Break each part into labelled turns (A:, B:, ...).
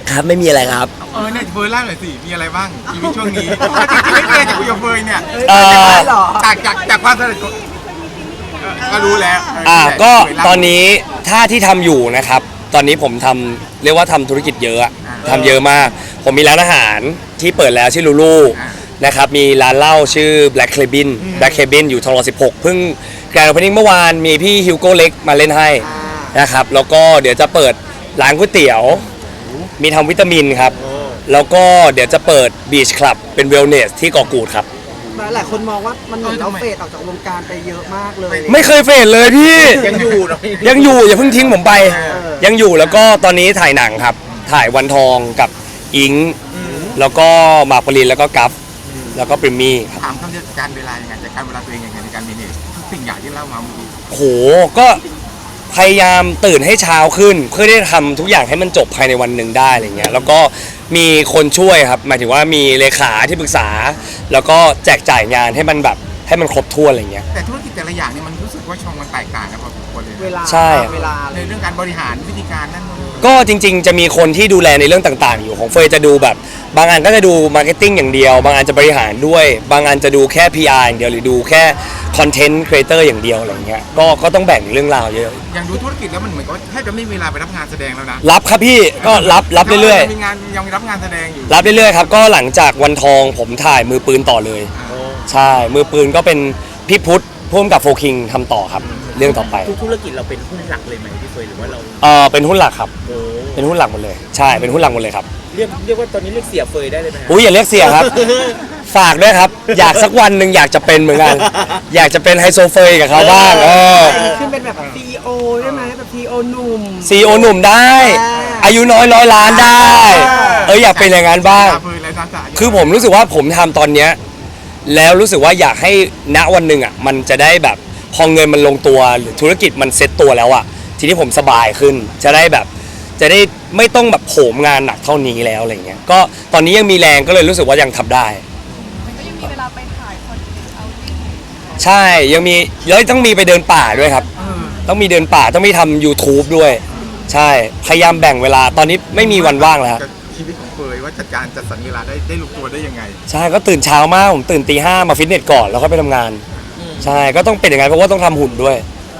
A: ครับไม่มีอะไรครับ
B: เนี่ยเฟิร์นเล่าหน่อยสิมีอะไรบ้างชีวิตช่วงนี้จริงๆไม่เคยจากคุยกับเฟิร์นเนี่ยจากความสนิทก็รู้แล้ว
A: ก็ตอนนี้ถ้าที่ทำอยู่นะครับตอนนี้ผมทำเรียกว่าทำธุรกิจเยอะทำเยอะมากผมมีร้านอาหารที่เปิดแล้วชื่อลูลูนะครับมีร้านเหล้าชื่อ Black Cabin อยู่ทองหล่อ16เพิ่งแกรนด์โอเพนนิ่งเมื่อวานมีพี่ฮิวโก้เล็กมาเล่นให้นะครับแล้วก็เดี๋ยวจะเปิดร้านก๋วยเตี๋ยวมีทำวิตามินครับแล้วก็เดี๋ยวจะเปิดบีชคลับเป็นเวลเนสที่เกาะกูดครับ
C: หลายคนมองว่ามันเหมือนเราเฟดออกจากวงการไปเยอะมากเลย
A: ไม่เคยเฟดเลยพี่
B: ยังอยู่
A: อย่าเพิ่งทิ้งผมไปยังอยู่แล้วก็ตอนนี้ถ่ายหนังครับถ่ายวันทองกับอิงแล้วก็มาปรินแล้วก็กัฟแล้วก็ปริมมี่
B: ถามคำจัดการเวลายังไงจัดการเวลาตัวเองยังไงในการเมเนจทุกสิ่งอย่างที่เล่ามาเมื่อกี้
A: โหก็พยายามตื่นให้เช้าขึ้นเพื่อได้ทำทุกอย่างให้มันจบภายในวันหนึ่งได้อะไรเงี้ยแล้วก็มีคนช่วยครับหมายถึงว่ามีเลขาที่ปรึกษาแล้วก็แจกจ่ายงานให้มันแบบให้มันครบถ้วนอะไรเงี้ย
B: แต่ธุรกิจแต่ละอย่างเนี่ยมันรู้สึกว่าช่องมันแตกต่างกันพอสมควรเลย
A: ใช่
C: เวลา
B: ในเรื่องการบริหารวิธีการนั่น
A: ก็จริงๆจะมีคนที่ดูแลในเรื่องต่างๆอยู่ของเฟยจะดูแบบบางอันก็จะดูมาร์เก็ตติ้งอย่างเดียวบางอันจะบริหารด้วยบางอันจะดูแค่ PR อย่างเดียวหรือดูแค่คอนเทนต์ครีเอเตอร์อย่างเดียวอะไรเงี้ยก็ต้องแบ่งเรื่องราวเยอะ
B: อย่างดูธุรกิจแล้วมันเหมือนกับแทบจะไม่มีเวลาไปรับงานแสดงแล้วนะ
A: รับครับพี่ก็รับเรื่อย
B: ๆมีงานยังรับงานแสดงอยู่
A: รับเรื่อยๆครับก็หลังจากวันทองผมถ่ายมือปืนต่อเลยใช่มือปืนก็เป็นพี่พุทธพ่วงกับโฟคิงทำต่อครับเรื่องต่อไป
D: ธุรกิจเราเป็นหุ้นหลักเลยไหมพี่เฟยหรือว่าเรา
A: เป็นหุ้นหลักครับเป็นหุ้นหลักหมดเลยใช่เป็นหุ้นหลักหมดเลยครับ
D: เรียกว่าตอนนี้เรียกเสียเฟยได้เลยไหม
A: อย่าเรียกเสียครับฝากด้วยครับอยากสักวันหนึ่งอยากจะเป็นเหมือนกันอยากจะเป็นไฮโซเฟยกับเขาบ้าง
C: ขึ้นเป็นแบบCEOใช่ไหมแบบ CEO หนุ่ม
A: CEO หนุ่มได้อายุน้อย100 ล้านได้อยากเป็นอย่างนั้นบ้างคือผมรู้สึกว่าผมทำตอนเนี้ยแล้วรู้สึกว่าอยากให้ณวันหนึ่งอ่ะมันจะได้แบบพอเงินมันลงตัวหรือธุรกิจมันเซ็ตตัวแล้วอ่ะทีนี้ผมสบายขึ้นจะได้ไม่ต้องแบบโหมงานหนักเท่านี้แล้วอะไรเงี้ยก็ตอนนี้ยังมีแรงก็เลยรู้สึกว่ายังทำได้
E: มันก็ยังมีเวลาไปถ่ายคอนเทนต์เอา
A: ใช่ยังมีแล้วต้องมีไปเดินป่าด้วยครับต้องมีเดินป่าต้องมีทำ YouTube ด้วยใช่พยายามแบ่งเวลาตอนนี้ไม่มีวันว่างแล้ว
B: ชีวิตของเฟยว่าจัดการจัดสรรเวลาได้ลงตัวได้ยังไง
A: ใช่ก็ตื่นเช้ามากผมตื่นตี 5มาฟิตเนสก่อนแล้วก็ไปทำงานใช่ก็ต้องเป็นอย่างนั้นเพราะว่าต้องทำหุ่นด้วย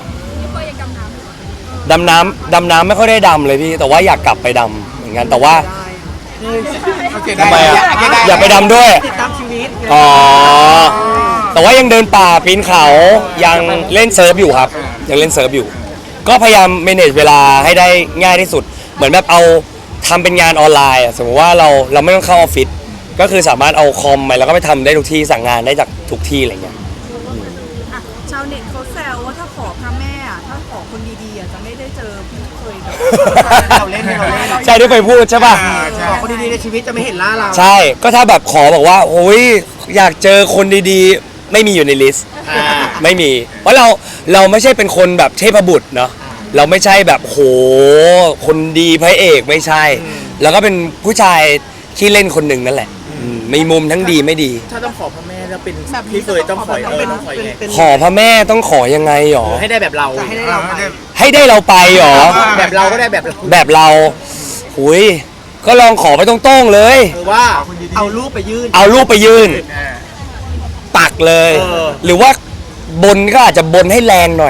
A: ดำน้ำไม่ค่อยได้ดำเลยพี่แต่ว่าอยากกลับไปดำเหมือนกันแต่ว่าทำไมอยากไปดำด้วย
C: ติดตามชีวิต
A: แต่ว่ายังเดินป่าปีนเขายังเล่นเซิร์ฟอยู่ครับยังเล่นเซิร์ฟอยู่ก็พยายามเมเนจเวลาให้ได้ง่ายที่สุดเหมือนแบบเอาทำเป็นงานออนไลน์สมมติว่าเราไม่ต้องเข้าออฟฟิศก็คือสามารถเอาคอมไปแล้วก็ไปทำได้ทุกที่สั่งงานได้จากทุกที่อะไรเงี้ย
E: ชาวเน็ตเขาแซวว่าถ้าขอพระแม่ถ้าขอคนดีๆจะไม่ได้เจอพี่เคย
C: เราเล่น
A: ใช่ที่ไปพูดใช่ป่ะ
C: ขอคนดีๆในชีวิตจะไม่เห็นหน้าเรา
A: ใช่ก็ถ้าแบบขอบอกว่าโอ้ยอยากเจอคนดีๆไม่มีอยู่ในลิสต์ไม่มีเพราะเราไม่ใช่เป็นคนแบบเทพบุตรเนาะเราไม่ใช่แบบโหคนดีพระเอกไม่ใช่แล้วก็เป็นผู้ชายที่เล่นคนหนึ่งนั่นแหละมีมุมทั้งดีไม่ดี
D: ถ้าต้องขอพระแม่แล้วเป็นพี่เฟยต้องขอ
A: ขอพระแม่ต้องขอยังไงหรอ
D: ให้ได้แบบเรา
A: ให้ได้เราไปหรอ
D: แบบเราก็ได้
A: แบบเราหุยก็ลองขอไปตรงๆเลย
D: ว่า
C: เอารูปไป
A: ยื่นปักเลยหรือว่าบนก็อาจจะบนให้แรงหน่อย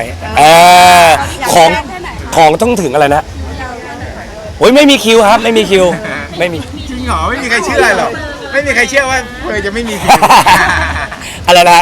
A: ของต้องถึงอะไรนะโอ้ยไม่มีคิวครับไม่มีคิวไม่มี
B: จริงเหรอไม่มีใครเชื่อหรอกไม่มีใครเชื่อว่าเฟยจะไม่มีคิว
A: อะไรนะ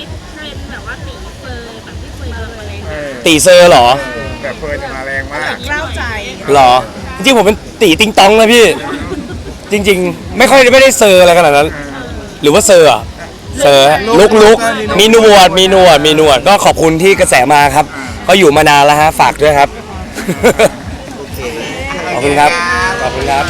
A: ตีเซอร์หรอ
B: แบบเฟยจะมาแรงมาก
E: เล่าใจ
A: หรอจริงๆผมเป็นตีติงตองนะพี่จริงๆไม่ได้เซอร์อะไรขนาดนั้นหรือว่าเซอร์ลุกมีหนวดก็ขอบคุณที่กระแสมาครับก็อยู่มานานแล้วฮะฝากด้วยครับขอบคุณครับ